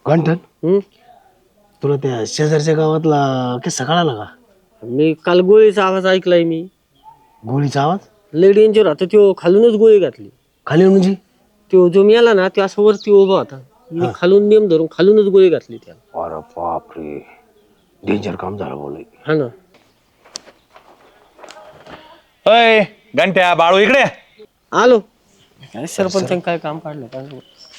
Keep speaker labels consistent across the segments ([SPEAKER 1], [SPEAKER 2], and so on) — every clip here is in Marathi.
[SPEAKER 1] गंठन तुला त्या शेजारच्या गावातला किस्सा कळाला का?
[SPEAKER 2] मी काल गोळीचा आवाज ऐकलाय मी.
[SPEAKER 1] गोळीचा आवाज
[SPEAKER 2] लय डेंजर होता. त्यो खालूनच गोळी घातली.
[SPEAKER 1] खाली म्हणजे
[SPEAKER 2] त्यो जो मेला ना त्यो असं वरती उभा होता. मी खालून नेम धरून खालूनच गोळी घातली त्याला.
[SPEAKER 1] अरे बापरे, डेंजर काम झालं बोल.
[SPEAKER 2] हा ना.
[SPEAKER 3] अय घंट्या बाळू इकडे
[SPEAKER 2] आलो. काय सरपंचाने काय काम काढलं काय?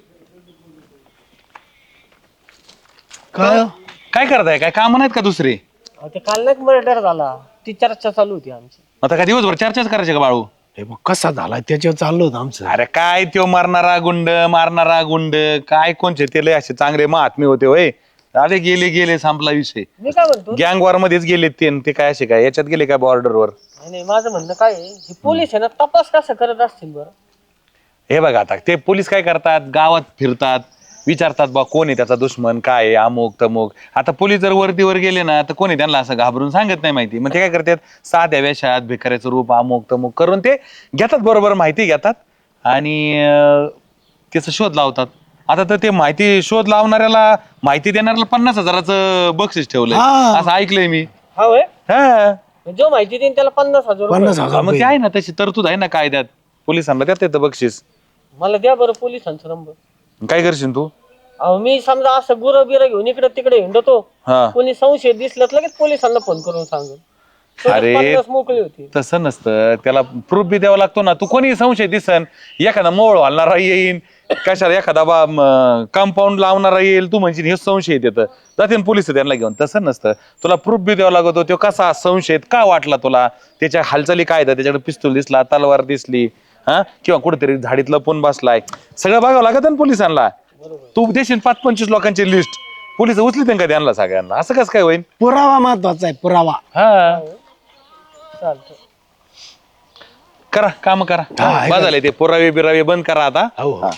[SPEAKER 1] काय
[SPEAKER 3] काय करताय? काय काम नाहीत का दुसरे?
[SPEAKER 2] ते काल नाही मर्डर झाला. ती चर्चा चालू होती आमची.
[SPEAKER 3] आता काय दिवसभर चर्चाच करायचे का बाळू?
[SPEAKER 1] हे मग कसा झाला त्याच्यावर चाललं होतं आमचं.
[SPEAKER 3] अरे काय त्यो मारणारा गुंड काय कोणचे ते लय असे चांगले महात्मे होते होय. अरे गेले संपला विषय.
[SPEAKER 2] मी काय म्हणतो,
[SPEAKER 3] गँग वॉर मध्येच गेले ते काय असे काय याच्यात गेले काय बॉर्डरवर?
[SPEAKER 2] नाही माझं म्हणणं काय आहे, हे पोलीस आहे ना तपास कसा करत असतील बरं?
[SPEAKER 3] हे बघा आता ते पोलीस काय करतात, गावात फिरतात, विचारतात बा कोण आहे त्याचा दुश्मन, काय आहे, अमुक तमुक. आता पोलीस जर वरतीवर गेले ना तर कोणी त्यांना असं घाबरून सांगत नाही माहिती. मग ते काय करतात, साध्या वेशात भिकाऱ्याचं रूप अमुक तमुक करून ते घेतात, बरोबर माहिती घेतात आणि त्याचा शोध लावतात. आता तर ते माहिती शोध लावणाऱ्याला माहिती देणाऱ्याला 50,000चं बक्षीस ठेवलंय असं ऐकलंय मी.
[SPEAKER 2] हा होय.
[SPEAKER 3] हा
[SPEAKER 2] जो माहिती देईन त्याला 50,000 रुपये.
[SPEAKER 1] 50,000
[SPEAKER 3] मग ते आहे ना तशी तरतूद आहे ना कायद्यात. पोलिसांना त्यात येतं बक्षीस.
[SPEAKER 2] मला द्या बरं पोलिसांचा नंबर.
[SPEAKER 3] काय करशील तू?
[SPEAKER 2] अहो मी समजा असं गुरं बिरं घेऊन इकडे तिकडे हिंडतो,
[SPEAKER 3] हा
[SPEAKER 2] कोणी संशय दिसलं तर लगेच पोलिसांना फोन करून सांगेल.
[SPEAKER 3] अरे
[SPEAKER 2] 50 मोकळी होती.
[SPEAKER 3] तसं नसतं, त्याला प्रूफ बी द्यावा लागतो ना. तू कोणी संशय दिसन, एखादा मोळ घालणारा येईन, कशाला एखादा कंपाऊंड लावणारा येईल, तू म्हणजे हे संशयित येतं जाते पोलिस त्यांना घेऊन. तसं नसतं, तुला प्रूफ बी द्यावा लागतो. तो कसा संशयित का वाटला तुला, त्याच्या हालचाली काय, त्याच्याकडे पिस्तूल दिसला, तलवार दिसली, हा किंवा कुठेतरी झाडीत लपून बसलाय, सगळं बघावं लागत ना पोलिसांना. तू देशील 5-25 लोकांची लिस्ट, पोलिस उचली का त्यांना सगळ्यांना? असं कसं काय होईल?
[SPEAKER 1] पुरावा महत्वाचा आहे, पुरावा.
[SPEAKER 3] हा
[SPEAKER 2] चालतं.
[SPEAKER 3] करा काम करा. बा झाले ते पुरावे बिरावे बंद करा आता.
[SPEAKER 1] हो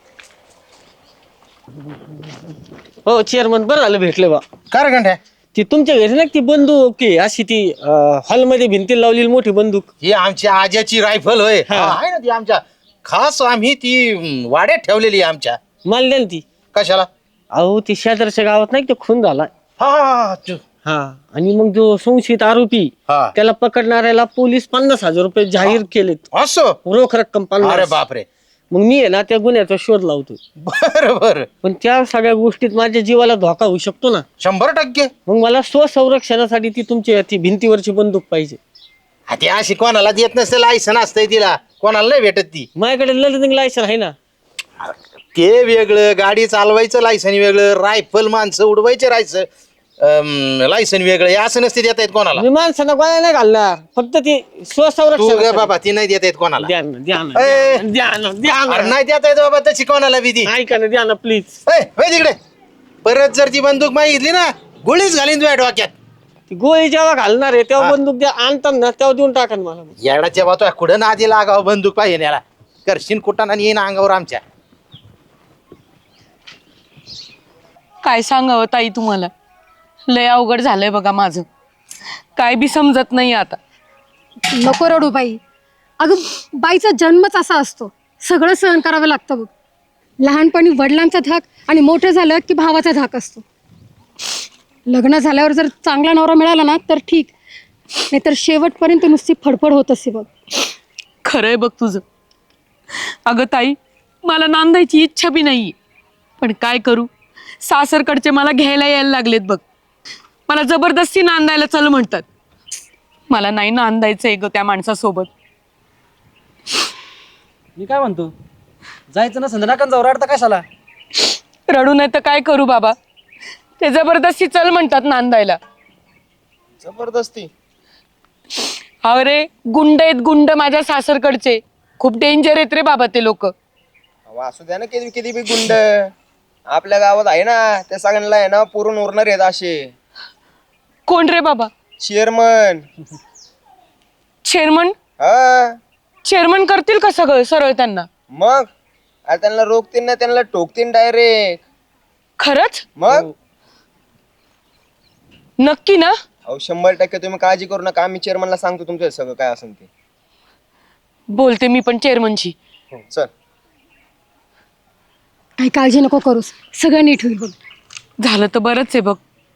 [SPEAKER 2] हो चेअरमन, बरं झालं भेटले बा.
[SPEAKER 1] काय घंट्या?
[SPEAKER 2] ती तुमच्या घरी ना ती बंदूक की अशी ती हॉलमध्ये भिंतीला लावलेली मोठी बंदूक?
[SPEAKER 4] ही आमच्या आज्याची रायफल होय. आहे ना ती आमच्या खास, आम्ही ती वाड्यात ठेवलेली आहे आमच्या.
[SPEAKER 2] मला द्या ना ती.
[SPEAKER 4] कशाला?
[SPEAKER 2] अहो ती शेजारच्या गावात नाही का तो खून झाला.
[SPEAKER 4] हा
[SPEAKER 2] आणि मग जो संशयित आरोपी
[SPEAKER 4] हा.
[SPEAKER 2] त्याला पकडणाऱ्याला पोलीस 50,000 रुपये जाहीर केलेत,
[SPEAKER 4] असं?
[SPEAKER 2] रोख रक्कम
[SPEAKER 4] अरे
[SPEAKER 2] 50.
[SPEAKER 4] बापरे.
[SPEAKER 2] मग मी आहे ना त्या गुन्ह्याचा शोध लावतो.
[SPEAKER 4] बरोबर,
[SPEAKER 2] पण त्या सगळ्या गोष्टीत माझ्या जीवाला धोका होऊ शकतो ना.
[SPEAKER 4] 100%.
[SPEAKER 2] मग मला स्वसंरक्षणासाठी ती तुमची ती भिंतीवरची बंदूक पाहिजे.
[SPEAKER 4] ती अशी कोणाला देत नसते, लायसन असतंय तिला, कोणाला नाही भेटत ती.
[SPEAKER 2] माझ्याकडे लर्निंग लायसन आहे ना.
[SPEAKER 4] ते वेगळं, गाडी चालवायचं लायसन वेगळं, रायफल माणसं उडवायचे लायसन वेगळं, हे असं नसते देता येत कोणाला.
[SPEAKER 2] मी माणसांना गोळ्या नाही घालणार, फक्त ती
[SPEAKER 4] तू ग
[SPEAKER 2] स्वसंरक्षण.
[SPEAKER 4] बाबा, ती नाही देता येत कोणाला.
[SPEAKER 2] द्या ना, द्या ना,
[SPEAKER 4] ए.
[SPEAKER 2] द्या ना, द्या
[SPEAKER 4] अरे
[SPEAKER 2] ना.
[SPEAKER 4] नाही देता येत बाबा तशी कोणाला बी ती.
[SPEAKER 2] ऐका ना, द्या ना प्लीज.
[SPEAKER 4] तिकडे परत जर ती बंदूक मागितली ना, गोळीच घालीन तुझ्या डोक्यात.
[SPEAKER 2] ती गोळी जेव्हा घालणार आहे तेव्हा बंदूक द्या, आणतात ना तेव्हा देऊन टाका ना मला.
[SPEAKER 4] येडाच्या बातो कुठं ना आधी लागाव बंदूक पाहिजे याला. करशीन कुठं आणि येईन अंगावर आमच्या.
[SPEAKER 5] काय सांगावं ताई तुम्हाला, लय अवघड झालंय बघा माझं. काय बी समजत नाही आता.
[SPEAKER 6] नको रडू बाई. अगं बाईचा जन्मच असा असतो, सगळं सहन करावं लागतं बघ. लहानपणी वडिलांचा धाक आणि मोठं झालं की भावाचा धाक असतो. लग्न झाल्यावर जर चांगला नवरा मिळाला ना तर ठीक, नाहीतर शेवटपर्यंत नुसती फडफड होत असते बघ.
[SPEAKER 5] खरंय बघ तुझं. अगं ताई, मला नांदायची इच्छा बी नाहीये, पण काय करू, सासरकडचे मला घ्यायला यायला लागलेत बघ. मला जबरदस्ती नांदायला चल म्हणतात. मला नाही नांदायचंय ग त्या माणसासोबत.
[SPEAKER 7] मी काय म्हणतो, जायचं ना संध्या नका जाऊ, रडता कशाला?
[SPEAKER 5] रडू नाही तर काय करू बाबा, ते जबरदस्ती चल म्हणतात नांदायला.
[SPEAKER 4] जबरदस्ती?
[SPEAKER 5] अरे गुंड आहेत गुंड माझ्या सासरकडचे, खूप डेंजर आहेत रे बाबा ते लोक.
[SPEAKER 8] असू द्या ना, किती किती बी गुंड आपल्या गावात आहे ना, त्या सगळ्यांना आहे ना पुरून उरणार आहेत असे.
[SPEAKER 5] कोण रे बाबा?
[SPEAKER 8] चेअरमन.
[SPEAKER 5] चेअरमन?
[SPEAKER 8] हा,
[SPEAKER 5] चेअरमन करतील का सगळं सरळ त्यांना?
[SPEAKER 8] मग आता त्यांना रोखतील ना, त्यांना टोकतील डायरेक्ट.
[SPEAKER 5] खरंच?
[SPEAKER 8] मग
[SPEAKER 5] नक्की ना?
[SPEAKER 8] अहो 100% तुम्ही काळजी करू नका, आम्ही चेअरमनला सांगतो तुमचं सगळं काय असेल ते.
[SPEAKER 5] बोलते मी पण चेअरमनशी.
[SPEAKER 8] चल.
[SPEAKER 6] काही काळजी नको करूस, सगळं नीट होईल बघ.
[SPEAKER 5] झालं तर बरंच आहे बघ.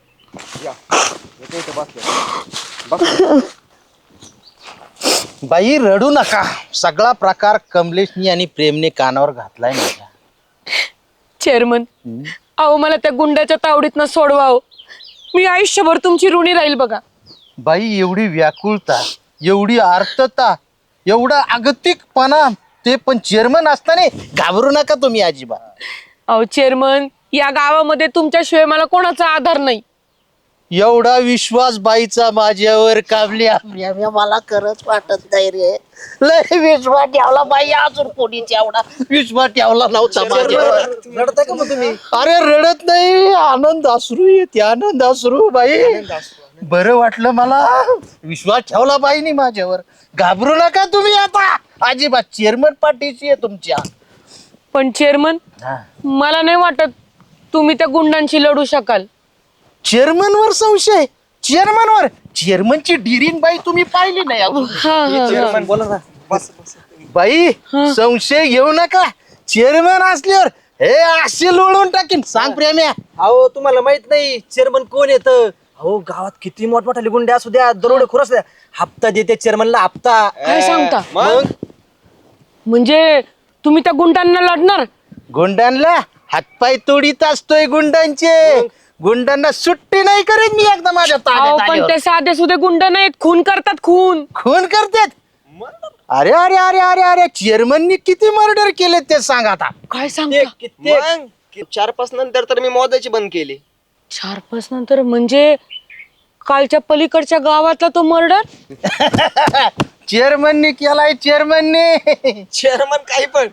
[SPEAKER 4] बाई रडू नका. सगळा प्रकार कमलेशनी आणि प्रेमने कानावर घातलाय माझ्या.
[SPEAKER 5] चेअरमन, अहो मला त्या गुंडाच्या तावडीतनं सोडवा हो. मी आयुष्यभर तुमची ऋणी राहील बघा.
[SPEAKER 4] बाई एवढी व्याकुळता, एवढी आर्तता, एवढा अगतिकपणा, ते पण चेअरमन असताना. घाबरू नका तुम्ही अजिबात.
[SPEAKER 5] अहो चेअरमन, या गावामध्ये तुमच्याशिवाय मला कोणाचा आधार नाही.
[SPEAKER 4] एवढा विश्वास बाईचा माझ्यावर काबली मला खरंच वाटत नाही रे. लय विश्वास ठेवला बाई, अजून कोणीच एवढा विश्वास ठेवला नव्हता माझ्यावर.
[SPEAKER 7] रडताय का मग तुम्ही?
[SPEAKER 4] अरे रडत नाही, आनंद अश्रू येते, आनंद अश्रू. बाई बरं वाटलं मला. विश्वास ठेवला बाईनी माझ्यावर. घाबरू नका तुम्ही आता अजिबात. चेअरमन पाठीशी आहे तुमच्या.
[SPEAKER 5] पण चेअरमन, मला नाही वाटत तुम्ही त्या गुंडांशी लढू शकाल.
[SPEAKER 4] चेअरमन वर संशय? चेअरमन चेअरमनची डिरीन बाई तुम्ही पाहिली नाही अजून.
[SPEAKER 8] चेअरमन बोला ना.
[SPEAKER 4] बाई संशय घेऊ नका. चेअरमन असल्यावर हे असे लोळून टाकीन. सांग प्रेम्या.
[SPEAKER 7] अहो तुम्हाला माहित नाही चेअरमन कोण येतं? अहो गावात किती मोठमोठाले गुंडे असू द्या, दरोडे खोर असू द्या, हप्ता देते चेअरमनला हप्ता.
[SPEAKER 5] काय सांगता?
[SPEAKER 8] मग
[SPEAKER 5] म्हणजे तुम्ही त्या गुंडांना लढणार?
[SPEAKER 4] गुंडांना हातपाय तोडीत असतोय. गुंडांना सुट्टी नाही करेन मी एकदा माझ्या
[SPEAKER 5] अहो
[SPEAKER 4] ताब्यात
[SPEAKER 5] पण
[SPEAKER 4] आल्यावर.
[SPEAKER 5] ते साधे सुधे गुंड नाहीत, खून करतात खून.
[SPEAKER 4] खून करतात? अरे अरे अरे अरे अरे चेअरमननी किती मर्डर केले ते सांग आता.
[SPEAKER 5] काय सांगता?
[SPEAKER 8] मग 4-5 नंतर तर मी मोदाची बंद केली.
[SPEAKER 5] 4-5 नंतर म्हणजे कालच्या पलीकडच्या गावातला तो मर्डर?
[SPEAKER 4] चेअरमननी केलाय. चेअरमननी.
[SPEAKER 8] चेअरमन काही पण.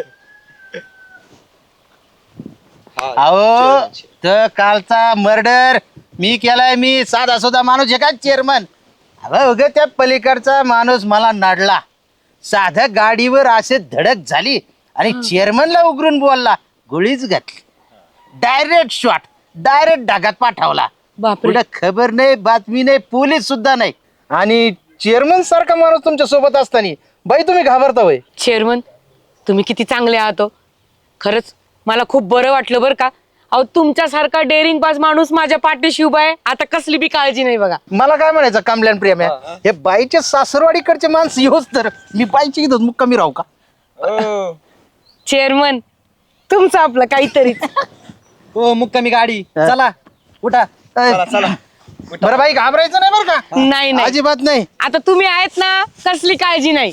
[SPEAKER 4] अहो तर कालचा मर्डर मी केलाय. मी साधा सुद्धा माणूस आहे का चेअरमन? अगं त्या पलीकडचा माणूस मला नाडला. साध्या गाडीवर असे धडक झाली आणि चेअरमनला उघडून बोलला. गोळीच घातली. Direct shot. डायरेक्ट डागात पाठवला.
[SPEAKER 5] बापरे.
[SPEAKER 4] पुढे खबर नाही, बातमी नाही, पोलीस सुद्धा नाही. आणि चेअरमन सारखा माणूस तुमच्या सोबत असताना बाई तुम्ही घाबरता होय?
[SPEAKER 5] चेअरमन, तुम्ही किती चांगले आहात हो. खरंच मला खूप बरं वाटलं बरं का. अहो तुमच्यासारखा डेअरिंग बाज माणूस माझ्या पाठीशी उभा आहे. आता कसली बी काळजी नाही बघा.
[SPEAKER 4] मला काय म्हणायचं कमल्यान प्रेम आहे, हे बाईच्या सासरवाडीकडचे माणसं येऊच तर मी बाईची इथं मुक्कामी राहू का?
[SPEAKER 5] चेअरमन, तुमचं आपलं काहीतरी.
[SPEAKER 7] हो मुक्कामी गाडी. चला उठा.
[SPEAKER 4] चला. बरं बाई घाबरायचं नाही बरं का?
[SPEAKER 5] नाही नाही,
[SPEAKER 4] अजिबात नाही.
[SPEAKER 5] आता तुम्ही आहेत ना, कसली काळजी नाही.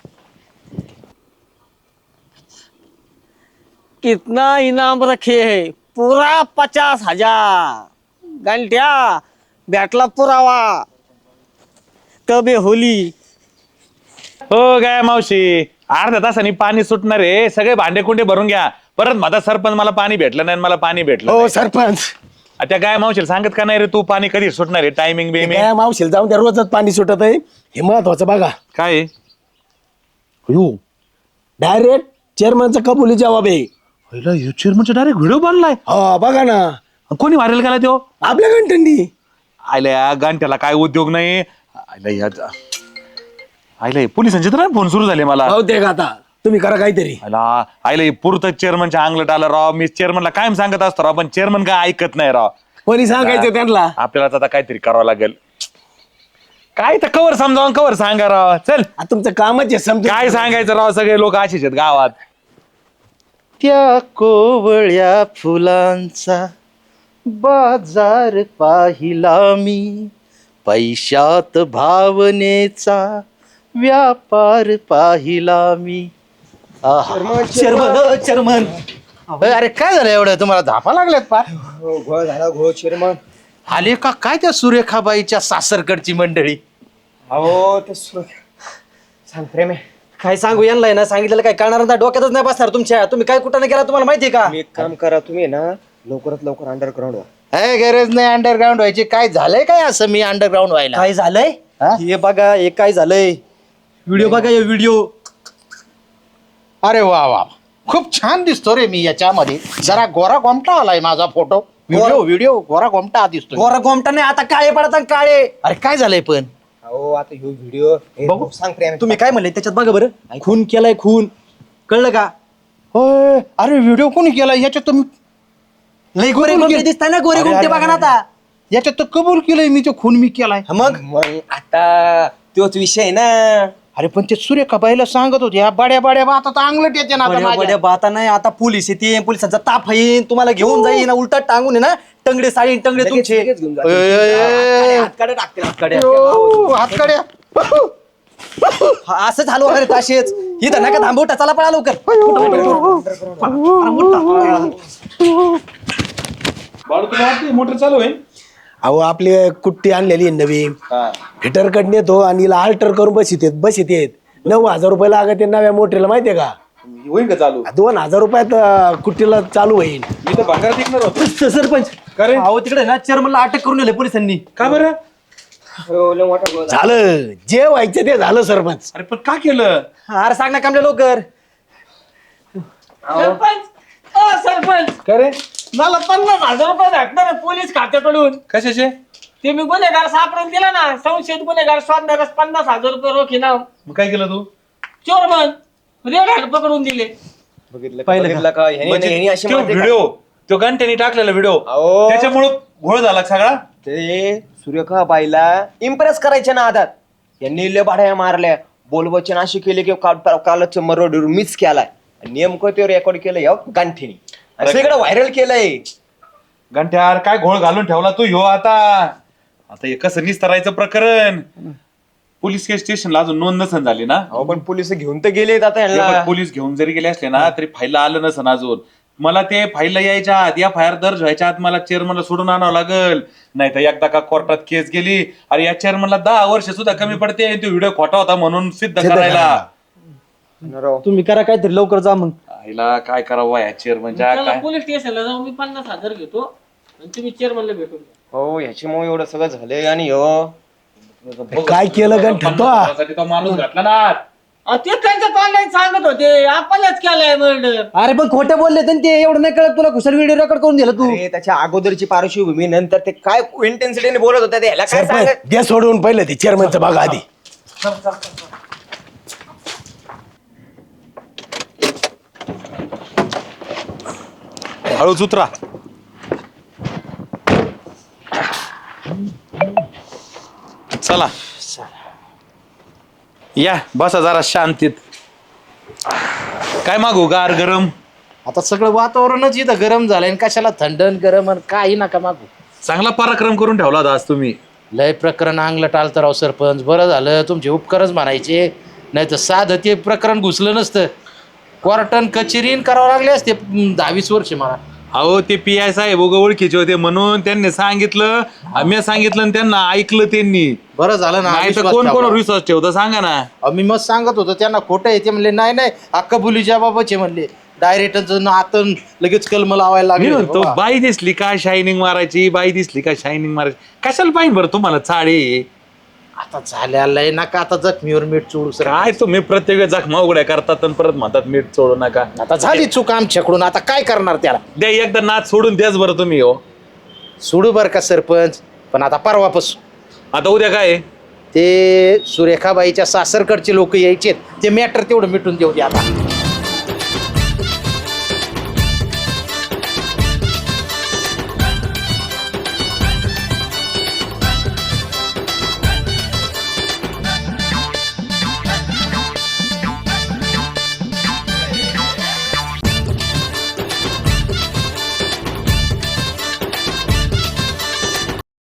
[SPEAKER 2] कितना इनाम रखे है? पूरा 50,000. घंट्या भेटला पुरावा. कबे होली.
[SPEAKER 3] हो काय मावशी, अर्ध्या तासाने पाणी सुटणार आहे. सगळे भांडे कुंडे भरून घ्या. परत माझा सरपंच मला पाणी भेटलं नाही, मला पाणी भेटलं
[SPEAKER 1] हो
[SPEAKER 3] नाही.
[SPEAKER 1] सरपंच,
[SPEAKER 3] त्या काय मावशीला सांगत का नाही रे तू पाणी कधी सुटणार आहे? टायमिंग बेमिंग
[SPEAKER 1] काय मावशील जाऊन त्या रोजच पाणी सुटत आहे. हे महत्वाचं बघा.
[SPEAKER 3] काय आहे?
[SPEAKER 1] डायरेक्ट चेअरमनचा कबुली जबाब आहे.
[SPEAKER 3] चेअरमनचा डायरेक्ट व्हिडिओ बनलाय.
[SPEAKER 1] हो बघा ना,
[SPEAKER 3] कोणी व्हायरल केला तो?
[SPEAKER 1] आपल्या घंटंडी.
[SPEAKER 3] आयला या गांठ्याला काय उद्योग नाही. आयला पोलिसांचे तर फोन सुरू झाले मला.
[SPEAKER 1] बहुतेक आता तुम्ही करा काहीतरी.
[SPEAKER 3] आयला पुरतं चेअरमनच्या अंगलट आलं राव. मी चेअरमनला कायम सांगत असतो राव, पण चेअरमन काय ऐकत नाही राव.
[SPEAKER 1] कोणी सांगायचं त्यांना?
[SPEAKER 3] आपल्याला आता काहीतरी करावं लागेल. काय तर कवर समजावून कवर सांगा राव. चल
[SPEAKER 1] आता तुमचं कामच आहे समजा.
[SPEAKER 3] काय सांगायचं राव, सगळे लोक असेच आहेत गावात.
[SPEAKER 4] त्या कोवळ्या फुलांचा बाजार पाहिला मी, पैशात भावनेचा व्यापार पाहिला मी.
[SPEAKER 7] चेअरमन
[SPEAKER 4] अरे काय झालं एवढं? तुम्हाला धापा लागल्यात पार?
[SPEAKER 8] घोळ झाला घोळ चेअरमन.
[SPEAKER 4] आले का काय त्या सुरेखाबाईच्या सासरकडची मंडळी?
[SPEAKER 8] अहो ते सांग प्रेम आहे.
[SPEAKER 7] काय सांगू यांना ना, सांगितलेलं काय कळणार ना, डोक्यातच नाही बसणार तुमच्या. तुम्ही काय कुठं गेला तुम्हाला माहितीये का?
[SPEAKER 8] तुम्ही एक काम करा, तुम्ही ना लवकरात लवकर अंडरग्राऊंड व्हा.
[SPEAKER 4] काय गरज नाही अंडरग्राऊंड व्हायची. काय झालंय काय असं मी अंडरग्राऊंड व्हायला?
[SPEAKER 7] काय झालंय
[SPEAKER 4] हा?
[SPEAKER 7] हे बघा, हे काय झालंय. व्हिडिओ बघा, हे व्हिडिओ.
[SPEAKER 4] अरे वा वा, खूप छान दिसतो रे मी याच्यामध्ये. जरा गोरा गोमटा आलाय माझा फोटो. व्हिडिओ गोरा गोमटा दिसतो.
[SPEAKER 7] गोरा गोमटा नाही, आता काळे पडतात काळे.
[SPEAKER 4] अरे काय झालंय पण?
[SPEAKER 8] अहो आता ह्यो व्हिडिओ
[SPEAKER 4] बघू.
[SPEAKER 8] सांग प्रेम.
[SPEAKER 7] तुम्ही काय म्हणले त्याच्यात बघा बरं. खून केलाय, खून. कळलं का?
[SPEAKER 4] होय. अरे व्हिडिओ कोणी केला याच्यात? तुम्ही
[SPEAKER 7] लई गोरे गुंडे दिसताय ना गोरे गुंडे बघा ना आता.
[SPEAKER 4] याच्यात तर कबूल केलंय मी तो खून मी केलाय.
[SPEAKER 7] मग
[SPEAKER 8] मग आता तोच विषय ना.
[SPEAKER 4] अरे पण ते सुरेखा बाईला सांगत होते, या बड्या बड्या आता तर अंगलट येते ना आता
[SPEAKER 7] बड्या
[SPEAKER 4] माझ्या.
[SPEAKER 7] बड्या बाता नाही आता पोलीस येते, पोलिसांचा ताप येईन, तुम्हाला घेऊन जाईन, उलटा टांगून आहे ना टंगडे साळीन टंगडे तुमचे.
[SPEAKER 4] ए,
[SPEAKER 7] हातकडे टाकतील हातकडे.
[SPEAKER 4] ओ, हातकड्या.
[SPEAKER 7] हा, असंच हलवा अरे ताशेच इथं नका थांबवटा, चला पळा लवकर.
[SPEAKER 3] बाळू तुला वाटते मोटर चालू आहे?
[SPEAKER 1] अहो आपली कुट्टी आणलेली आहे नवीन, हिटर कडे येतो आणि हिला अल्टर करून बसित येत 9,000 रुपये लागत नव्या मोटरीला, माहितीये का?
[SPEAKER 3] होईल का चालू?
[SPEAKER 1] 2,000 रुपयात कुट्टीला चालू होईल.
[SPEAKER 3] मी तर भागात टिकणार होतो.
[SPEAKER 7] सरपंच
[SPEAKER 3] का रे?
[SPEAKER 7] अहो तिकडे ना चेअरमनला अटक करून नेले पोलिसांनी.
[SPEAKER 3] का बरं?
[SPEAKER 1] झालं जे व्हायचं ते झालं सरपंच.
[SPEAKER 3] अरे पण का केलं?
[SPEAKER 7] अरे सांग ना कामले लवकर.
[SPEAKER 2] सरपंच
[SPEAKER 3] का रे?
[SPEAKER 2] मला 50,000 रुपये भेटणार पोलीस खात्याकडून.
[SPEAKER 3] कशाचे?
[SPEAKER 2] ते मी गुन्हेगार सापडून दिला ना, संशयित गुन्हेगार शोधणारच 50,000 रुपये रोखी ना.
[SPEAKER 3] मग काय केलं तू?
[SPEAKER 2] चोरमन रेड हँड पकडून दिले.
[SPEAKER 8] बघितलं का ह्यानी अशी मारते का?
[SPEAKER 3] व्हिडिओ तो घंट्यानी टाकलेला व्हिडिओ
[SPEAKER 8] अहो.
[SPEAKER 3] त्याच्यामुळं घोळ झाला सगळा.
[SPEAKER 8] ते सुरेखा बाईला इम्प्रेस करायच्या ना आधात यांनी लय भाड्या मारल्या, बोलवचन अशी केली की कालच मरोड मिस केलाय. नेमकं ते रेकॉर्ड केलं या गांठीनी सगळं व्हायरल केलंय.
[SPEAKER 3] घंट्यार काय घोळ घालून ठेवला तू ह्यो आता हे कसं निस्तरायचं प्रकरण? पोलीस केस स्टेशनला अजून नोंद नसन झाली ना?
[SPEAKER 8] अहो पण पोलिस घेऊन तर गेलेत आता
[SPEAKER 3] हे
[SPEAKER 8] यांना.
[SPEAKER 3] बघ, पोलीस घेऊन जरी गेले असले ना तरी फाईलला आलं नसन अजून. मला ते फाईलला यायच्या आत, या फायर दर्ज व्हायच्या आत मला चेअरमनला सोडून आणावं लागल. नाही तर एकदा का कोर्टात केस गेली, अरे या चेअरमनला 10 वर्ष सुद्धा कमी पडते तो व्हिडिओ खोटा होता म्हणून सिद्ध करायला.
[SPEAKER 7] तुम्ही करा काहीतरी लवकर जा मग.
[SPEAKER 3] आईला काय करावं या चेअरमनच्या
[SPEAKER 2] त्याला
[SPEAKER 3] काय?
[SPEAKER 2] पोलीस स्टेशनला जाऊन मी 50,000 घेतो आणि तुम्ही चेअरमनला भेटून घ्या.
[SPEAKER 8] हो ह्याच्यामुळे एवढं सगळं झालंय. आणि हो
[SPEAKER 1] काय केलं गंठन तो?
[SPEAKER 3] त्यासाठी तो माणूस घातला ना.
[SPEAKER 2] ते त्यांच्या तोंडाने सांगत होते आपणच केलाय मर्डर.
[SPEAKER 7] अरे पण खोटे बोलले तर ते एवढं नाही कळत तुला, कुशल व्हिडिओ रेकॉर्ड करून दिला तू.
[SPEAKER 8] अरे त्याच्या अगोदरची पार्श्वभूमी नंतर ते काय इंटेन्सिटीने बोलत होते ते ह्याला काय सांगत.
[SPEAKER 1] सरपंच द्या सोडून पहिलं ते चेअरमनचं बघा आधी.
[SPEAKER 3] हळूच उतरा. चला या बसा जरा शांतीत. काय मागू, गार गरम?
[SPEAKER 4] आता सगळं वातावरणच इथं गरम झालंय आणि कशाला थंडन गरम आणि काही नका मागू.
[SPEAKER 3] चांगला पराक्रम करून ठेवला होता आज तुम्ही.
[SPEAKER 4] लय प्रकरण अंगलं टाळतं राव सरपंच. बरं झालं तुमचे उपकारच म्हणायचे, नाही तर साधं ते प्रकरण घुसलं नसतं. क्वार्टन कचेरीन करावं लागले असते 10-20 वर्ष मला.
[SPEAKER 3] अहो ते PI साहेब ओळखीचे होते म्हणून त्यांनी सांगितलं, मी सांगितलं आणि त्यांना ऐकलं त्यांनी.
[SPEAKER 4] बरं झालं ना.
[SPEAKER 3] नाही तर
[SPEAKER 4] विश्वास
[SPEAKER 3] कोण
[SPEAKER 4] ठेवला.
[SPEAKER 3] कोणावर विश्वास ठेवतं सांगा ना.
[SPEAKER 4] अहो, मी मग सांगत होतो त्यांना खोटं आहे ते म्हणले नाही नाही अक्का बुलीच्या बाबाचे म्हणले. डायरेक्ट आतून लगेच कलम लावायला
[SPEAKER 3] मी
[SPEAKER 4] लागले
[SPEAKER 3] म्हणतो
[SPEAKER 4] बाबा.
[SPEAKER 3] बाई दिसली का शायनिंग मारायची, बाई दिसली का शायनिंग मारायची. कशाला पाहिजे बरं तुम्हाला चाळे?
[SPEAKER 4] आता झाल्यालंय नका आता जखमीवर मीठ चोळू सर.
[SPEAKER 3] काय तुम्ही प्रत्येक वेळेस जखमा उघड्या करतात आणि परत म्हणतात मीठ चोळू नका.
[SPEAKER 4] आता झाली चूक आमच्याकडून, आता काय करणार त्याला.
[SPEAKER 3] द्या एकदा नाच सोडून द्याच बरं तुम्ही. हो
[SPEAKER 4] सोडू बर का सरपंच, पण आता परवापासून.
[SPEAKER 3] आता उद्या काय आहे?
[SPEAKER 4] ते सुरेखाबाईच्या सासरकडचे लोक यायचे, ते मॅटर तेवढं मिटून देऊ दे आता.